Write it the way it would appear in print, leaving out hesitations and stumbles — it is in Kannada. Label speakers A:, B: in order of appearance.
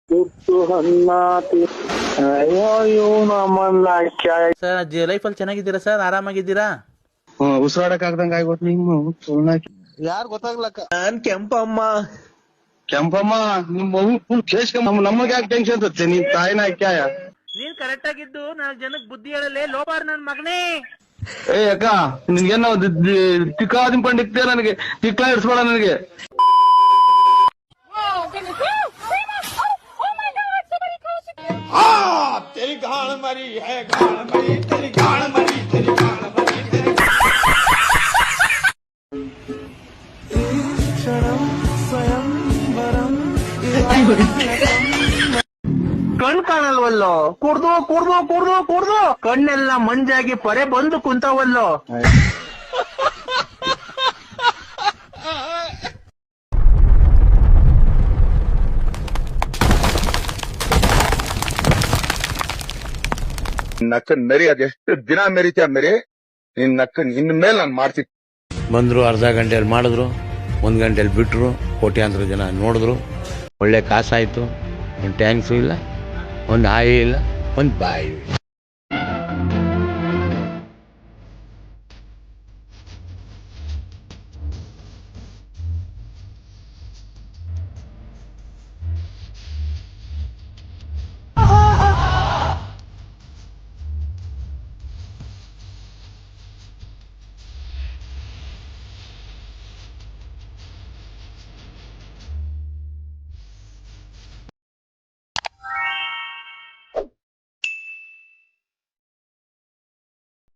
A: ಸರ್ ಲೈಫಲ್ಲಿ ಚೆನ್ನಾಗಿದ್ದೀರಾ ಸರ್? ಆರಾಮಾಗಿದ್ದೀರಾ?
B: ಉಸಿರಾಡಕ್ ಆಗ್ದಂಗ ಆಗೋತ್ ನಿಮ್ಮ
C: ಯಾರು ಗೊತ್ತಾಗ್ಲಕ್ಕ.
A: ನಾನ್ ಕೆಂಪಮ್ಮ.
B: ಕೆಂಪಮ್ಮ ನಿಮ್ ಮಗು ಫುಲ್ ಕೇಸ್ಕೊಂಡ್ ನಮಗೆ ಯಾಕೆ ಟೆನ್ಷನ್ ತತ್ತೆ ನಿನ್ ತಾಯಿನ ಕ್ಯಾಯ
A: ನೀನ್ ಕರೆಕ್ಟ್ ಆಗಿದ್ದು 4 ಜನಕ್ಕೆ ಬುದ್ಧಿ ಹೇಳಲೆ ಲೋಪಾರ್ ನನ್ ಮಗನೇ.
B: ಏ ಅಕ್ಕ ನಿನ್ಗೇನೋ ತಿಕ್ಕಾದಿಂ ಪಂಡಿಕ್ತೆ ನನಗೆ ತಿಕ್ಲಾ ಇಡ್ಸ್ಬೇಡ ನನಗೆ.
C: तेरी गाड़ मरी है, गाड़ मरी, तेरी गाड़ मरी, तेरी गाड़ मरी, तेरी
A: ಕಣ್ ಕಾಣಲ್ವಲ್ಲೋ? ಕುಡ್ದು ಕುಡ್ದು ಕುಡ್ದು ಕುಡ್ದು ಕಣ್ಣೆಲ್ಲ ಮಂಜಾಗಿ ಪರೆ ಬಂದು ಕುಂತವಲ್ಲೋ.
D: ನಕ್ಕ ಮೆರಿ ಅದೆಷ್ಟು ದಿನ ಮೆರಿತೀಯ ಮೆರಿ ನಿನ್ ನಕ್ಕ ಇನ್ ಮೇಲೆ ನಾನು ಮಾಡ್ತೀನಿ.
E: ಬಂದ್ರು, ಅರ್ಧ ಗಂಟೆಯಲ್ಲಿ ಮಾಡಿದ್ರು, 1 ಗಂಟೆಯಲ್ಲಿ ಬಿಟ್ರು, ಕೋಟ್ಯಾಂತರ ಜನ ನೋಡಿದ್ರು, ಒಳ್ಳೆ ಕಾಸಾಯ್ತು. ಒಂದು ಟ್ಯಾಂಕ್ಸು ಇಲ್ಲ, ಒಂದು ಹಾಯಿ ಇಲ್ಲ, ಒಂದು ಬಾಯಿ.